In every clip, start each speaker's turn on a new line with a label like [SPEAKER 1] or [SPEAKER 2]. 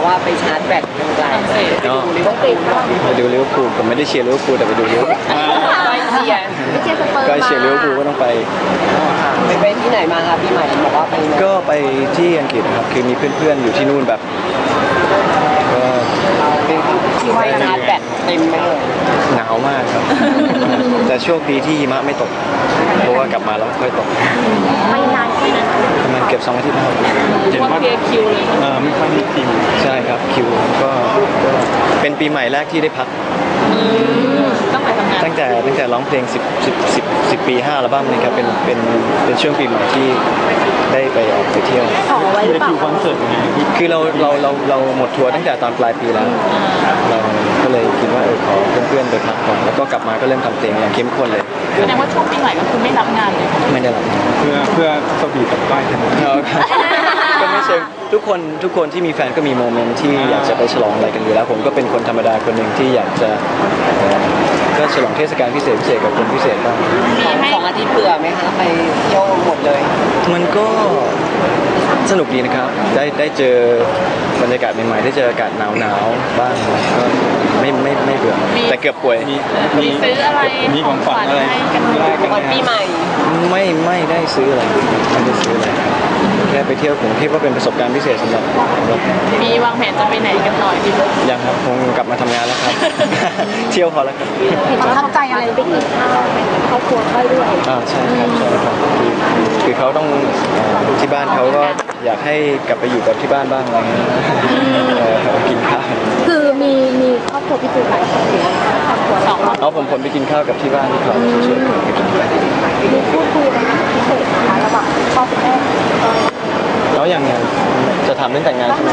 [SPEAKER 1] ว่าไปชาร์จแบตยังไง
[SPEAKER 2] ไปดูลิเวอร์พูลผมไม่ได้เชียร์ลิเวอร์พูลแต่ไปดูลิเวอร์พูลก็เชียร์ลิเวอร์พูลก็ต้องไป
[SPEAKER 1] ไปที่ไหนมาคะปีใหม่บอกว่าไป
[SPEAKER 2] ก็ไปที่อังกฤษครับคือมีเพื่อนๆอยู่ที่นู่นแบบก็
[SPEAKER 1] ที่ว่าชาร์จแบตเต็มไปเลย
[SPEAKER 2] หนาวมากครับแต่โชคดีที่หิมะไม่ตกเพราะว่ากลับมาแล้วค่อยตก
[SPEAKER 3] ไม่นานแค่นั้น
[SPEAKER 2] ประมาณเก็บ2 อาทิตย์ครับ
[SPEAKER 3] เห็นว่าคิวเลย
[SPEAKER 2] ไม่ค่อยมีคิวใช่ครับคิวก็เป็นปีใหม่แรกที่ได้พัก
[SPEAKER 3] ต้องไปทำงาน
[SPEAKER 2] ตั้งแต่ร้องเพลง10 ปี 5 อัลบั้มนี่ครับเป็นช่วงปีใหม่ที่ได้ไปออกไปเที่ยว
[SPEAKER 3] ไว้หรือเปล่า
[SPEAKER 2] คอนเสิร์ตคือเราหมดทัวร์ตั้งแต่ตอนปลายปีแล้วเราก็เลยคิดว่าขอเพื่อนๆไปพักก่อนแล้วก็กลับมาก็เริ่มทำเพลงอย่างเข้มข้นเลย
[SPEAKER 3] แสดงว่าช่วงปีใหม่ก็คือไม่รับงานเลย
[SPEAKER 2] ไม่ได้รับเพื่อสวีทกับก้อยก็ไม่เชิงทุกคนที่มีแฟนก็มีโมเมนต์ที่อยากจะไปฉลองอะไรกันอยู่แล้วผมก็เป็นคนธรรมดาคนหนึ่งที่อยากจะก็ฉลองเทศกาลพิเศษกับคนพิเศษบ้าง
[SPEAKER 1] 2 อาทิตย์เบื่อไหมคะไปเที่ยวหมดเลย
[SPEAKER 2] มันก็สนุกดีนะครับได้เจอบรรยากาศใหม่ๆได้เจออากาศหนาวบ้างก็ไม่เบื่อแต่เกือบป่วย
[SPEAKER 3] มีซื้ออะไร
[SPEAKER 2] มีของขวัญอะไร
[SPEAKER 1] วันปีใหม่
[SPEAKER 2] ไม่ได้ซื้ออะไรไม่ได้ซื้ออะไรแค่ไปเที่ยวผมคิดว่าเป็นประสบการณ์พิเศษสำหรับ
[SPEAKER 3] มีวางแผนจะไปไหนกันหน่อยพี่
[SPEAKER 2] ยังครับคงกลับมาทำงานแล้วครับเที่ยวพอแล้วครับ
[SPEAKER 3] ประทับใจอะไรไปกินข้าวครอบครัวค่อยด้วย
[SPEAKER 2] ใช่ครับคือเขาต้องที่บ้านเขาก็อยากให้กลับไปอยู่กับที่บ้านบ้างอะไรเงี้ยกินข้าว
[SPEAKER 3] คือมีครอบครัวพี่ตูนหลายคนอยู่ครอบครัว2
[SPEAKER 2] ผมไปกินข้าวกับที่บ้านที่เขาช่วย
[SPEAKER 3] มีพูดคุยกันพิเศษนะคะระหว่างพ่อคุณแม่
[SPEAKER 2] แล้วอย่างเงี้ยจะทำเรื่องแต่งงานใช่ไหม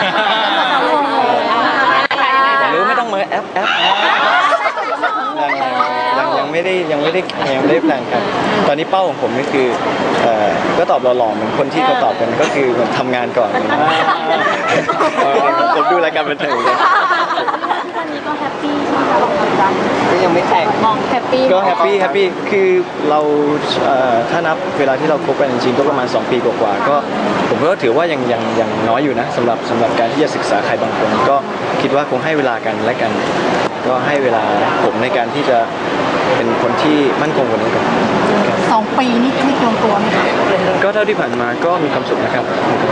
[SPEAKER 2] อยากรู้ไม่ต้องมาแอปยังไม่ได้แพลนกันตอนนี้เป้าของผมก็คือก็ตอบหล่อๆเหมือนคนที่เขาตอบกันก็คือเหมือนทำงานก่อนผมดูรายการบันเทิงกัน
[SPEAKER 3] วันนี้ก็แฮปปี้ใช่ไหมคะ
[SPEAKER 1] ก็ยังไม่แต่ง
[SPEAKER 3] มองแฮปปี้
[SPEAKER 2] ก็แฮปปี้คือเราถ้านับเวลาที่เราคบกันจริงๆก็ประมาณ2 ปีกว่าๆก็ผมก็ถือว่ายังน้อยอยู่นะสำหรับการที่จะศึกษาใครบางคนก็คิดว่าคงให้เวลากันและกันก็ให้เวลาผมในการที่จะเป็นคนที่มั่นคงกว่านี้ก่อน
[SPEAKER 3] 2 ปีนี่ไม่ลงตัวไหมคะ
[SPEAKER 2] ก็เท่าที่ผ่านมาก็มีความสุขนะครับ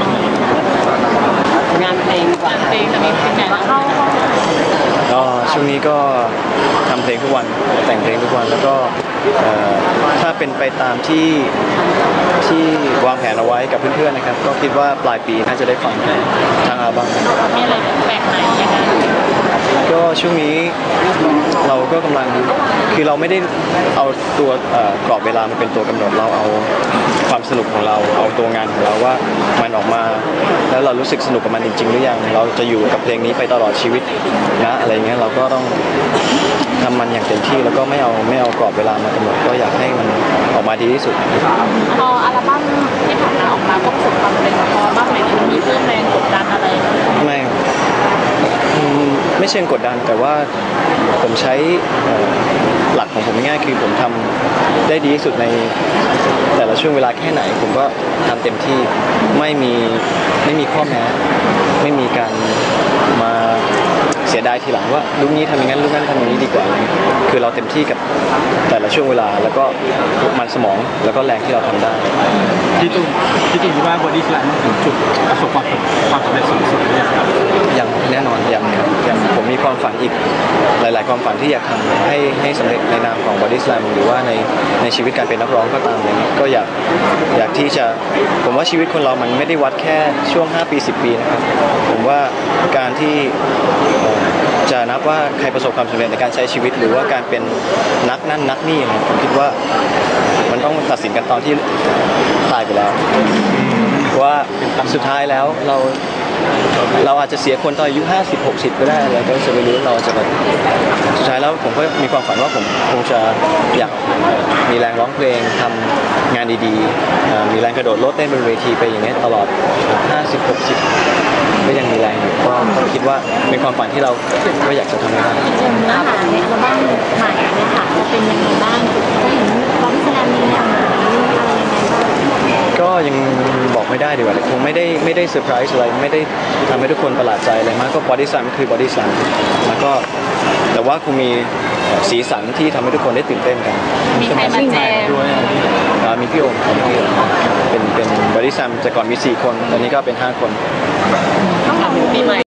[SPEAKER 1] งานเพลง
[SPEAKER 3] จะมีเพลงไหนเข้า
[SPEAKER 2] ช่วงนี้ก็ทำเพลงทุกวันแต่งเพลงทุกวันแล้วก็ถ้าเป็นไปตามที่วางแผนเอาไว้กับเพื่อนๆนะครับก็คิดว่าปลายปีน่าจะได้ฟังทางอัลบั้ม
[SPEAKER 3] มีอะไรแปลกใหม่ยังไง
[SPEAKER 2] ก็ช่วงนี้เราก็กำลังคือเราไม่ได้เอาตัวกรอบเวลามาเป็นตัวกำหนดเราเอาความสนุกของเราเอาตัวงานของเราว่ามันออกมาแล้วเรารู้สึกสนุกกับมันจริงๆหรือยังเราจะอยู่กับเพลงนี้ไปตลอดชีวิตนะอะไรเงี้ยเราก็ต้องทำมันอย่างเต็มที่แล้วก็ไม่เอากรอบเวลามากำหนดก็อยากให้มันออกมาดีที่สุด
[SPEAKER 3] พออัลบั้มที่ผ่านมาออกมาก็ประสบความสำเร็จพอบ้างไหมมีเรื่องแรงกดดันอะไร
[SPEAKER 2] ไม่เชิงกดดันแต่ว่าผมใช้หลักของผมง่ายคือผมทำได้ดีที่สุดในแต่ละช่วงเวลาแค่ไหนผมก็ทำเต็มที่ไม่มีข้อแม้ไม่มีการมาเสียดายทีหลังว่าลุงนี้ทำอย่างนั้นลุงนั้นทำอย่างนี้ดีกว่าคือเราเต็มที่กับแต่ละช่วงเวลาแล้วก็มันสมองแล้วก็แรงที่เราทำได้
[SPEAKER 4] พี่ตุ้มคิดว่าบอดี้สแลมถึงจุดประสบความสำเร็จสูงสุดเลยครับ
[SPEAKER 2] ยังแน่นอนยังผมมีความฝันอีกหลายๆความฝันที่อยากทำให้สำเร็จในนามของ Body Slam หรือว่าในชีวิตการเป็นนักร้องก็ตามเลยก็อยากที่จะผมว่าชีวิตคนเรามันไม่ได้วัดแค่ช่วง5 ปี 10 ปีนะครับผมว่าการที่จะนับว่าใครประสบความสำเร็จในการใช้ชีวิตหรือว่าการเป็นนักนั่นนักนี่นะผมคิดว่ามันต้องตัดสินกันตอนที่ตายไปแล้วว่าสุดท้ายแล้วเราอาจจะเสียคนตอนอายุ50-60ก็ได้แล้วก็จะไปรู้เราจะแบบสุดท้ายแล้วผมก็มีความฝันว่าผมคงจะอยากมีแรงร้องเพลงทำงานดีๆมีแรงกระโดดโลดเต้นบนเวทีไปอย่างนี้ตลอด50-60ก็ยังมีแรงอยู่ก็คิดว่าเป็นความฝันที่เราก็อยากจะทำได้
[SPEAKER 3] เนื้อหาในอัลบั้มใหม่เนี่ยค่ะจะเป็นยังไงบ้างได้เห็นร้องแสดงในแนวไหนอะไรยังไงบ้าง
[SPEAKER 2] ก็ยังบอกไม่ได้ดีกว่าคงไม่ได้เซอร์ไพรส์อะไรไม่ได้ทำให้ทุกคนประหลาดใจอะไรมากก็บอดี้สแลมคือบอดี้สแลมแล้วก็แต่ว่าคงมีสีสันที่ทำให้ทุกคนได้ตื่นเต้นกัน
[SPEAKER 3] มีใครมาแจม
[SPEAKER 4] ด้วย
[SPEAKER 2] มีพี่โอมเป็นบอดี้สแลมแต่ก่อนมี4 คนตอนนี้ก็เป็น5 คน
[SPEAKER 3] ต้องทำปีใหม่